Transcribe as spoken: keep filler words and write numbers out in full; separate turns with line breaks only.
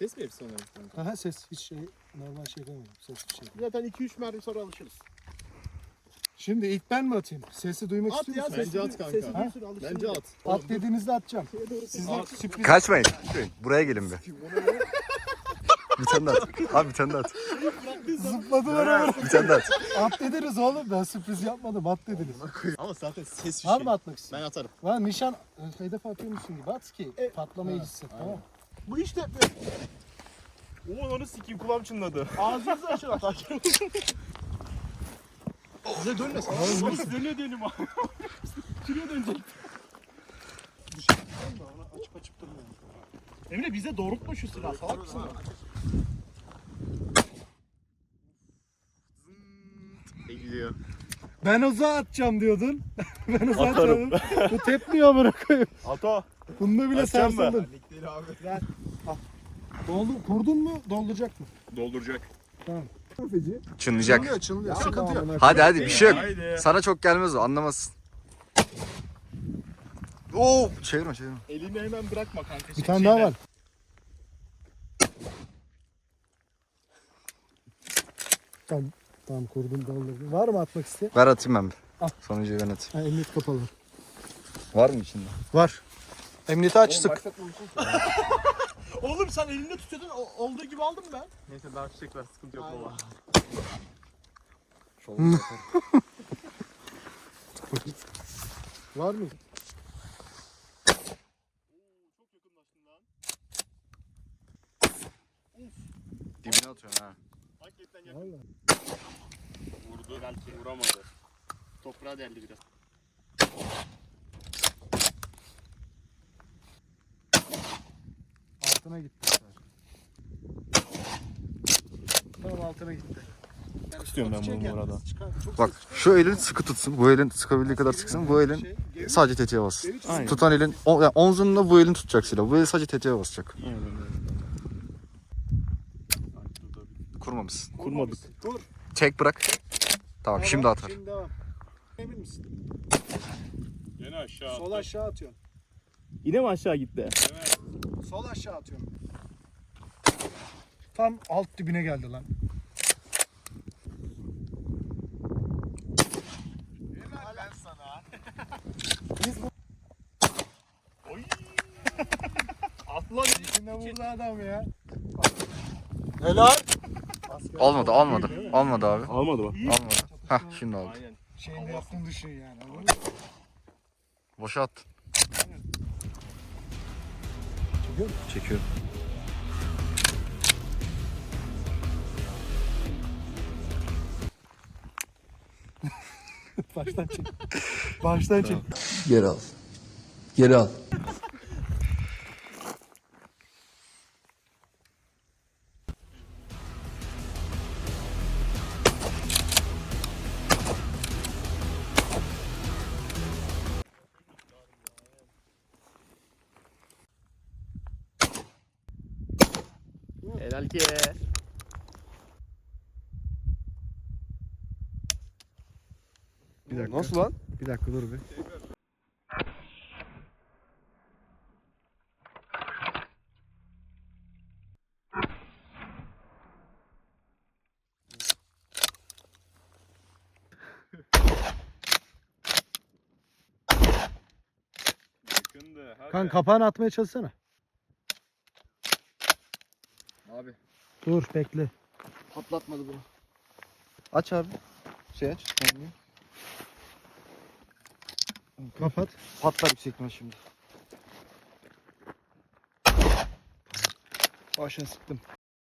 Ses mi hepsi onların?
Aha ses hiç şey normal şey yapamıyorum. Ses bir şey.
Zaten iki üç mermi sonra alışırız.
Şimdi ilk ben mi atayım? Sesi duymak
At
istiyor
ya
musun?
sesi,
Bence at kanka.
sesi
Ha?
duysun alışsın.
Bence at.
At dediğinizde atacağım. Sizler sürpriz.
Kaçmayın. kaçmayın. Buraya gelin bir. Bir tane daha at. Abi bir tane daha at.
Zıpladılar ama.
Bir tane daha at.
At dediniz oğlum. Ben sürpriz yapmadım. At dediniz.
Ama zaten ses bir
Var
şey.
mı atmak
Ben
istiyorsun?
atarım.
Var nişan e, hedef atıyormuşsun gibi at ki
E,
patlamayı hisset tamam mı?
Bu işte
Oo onu sikeyim kulağım çınladı.
ağzınızı açın atar.
Size dönmesin.
Nasıl dönüyor diyelim abi. Şuraya dönecek.
Ona açıp açıp durmuyor. Emre bize doğrultma şu silahı. Salak mısın?
Ne gidiyor?
Ben uzağa atacağım diyordun. Ben uzağa
Atarım.
atacağım. Bu tepmiyor bırakayım.
Ato.
Bunda bile
Atacağım mı?
sarsıldın.
Lik değil abi.
Doldu, kurdun mu? Dolduracak mı?
Dolduracak.
Tamam.
Çınlayacak.
Çınlıyor, çınlıyor. Sıkıntı yok.
Hadi hadi bir şey yok.
Haydi.
Sana çok gelmez o anlamazsın. Oo çevirme çevirme.
Elini hemen bırakma kanka.
Bir tane daha var. Tamam. Tamam kurdum doldurdum. Var mı atmak isteyen?
Ver atayım ben bir.
Al.
Sonuncuyu ben atayım.
Ha, emniyet kapalı.
Var mı içinde?
Var. Emniyeti açtık.
Oğlum sen elinde tutuyordun o- olduğu gibi aldım ben.
Neyse daha çiçek var. Sıkıntı yok baba.
Var mı?
Dibine atıyorsun ha.
Hakikaten yakın.
Vallahi.
Vurdu belki vuramadı.
Toprağa deldi biraz.
Altına gitti. Tamam altına gitti.
İstiyorum ben bunu bu arada.
Bak şu elin sıkı tutsun. Bu elin sıkabildiği kadar sıksın. Bu elin sadece tetiğe bas.
Aynen.
Tutan elin o, yani omzunla bu elin tutacak silah. Bu el sadece tetiğe basacak.
Aynen öyle.
Kurmamışsın.
Kurmadık.
Dur.
Çek bırak. Tamam şimdi atar.
Şimdi devam. Emin misin?
Yine aşağı.
Sol aşağı atıyorsun.
Yine mi aşağı gitti?
Sol aşağı atıyorum. Tam alt dibine geldi lan.
Helal ben sana.
Oy. Atla.
İçinde vurdu adam ya.
Helal.
Almadı almadı. Almadı abi.
Almadı mı?
Almadı. Hah şimdi aldı.
Aynen.
Şeyinde yaptığını düşün yani. anladın mı?
Boşa at.
Çekiyor musun?
Çekiyorum.
Baştan çek. Baştan çek.
Geri al. Geri al.
Helal ki.
Bir dakika.
Nasıl lan?
Bir dakika dur bir.
Yakındı. Hadi.
Kan kapağını atmaya çalışsana.
Abi
Dur bekle.
patlatmadı bunu.
Aç abi. Şey aç.
Kapat.
Patlar yüksek ihtimal şimdi.
Başına sıktım.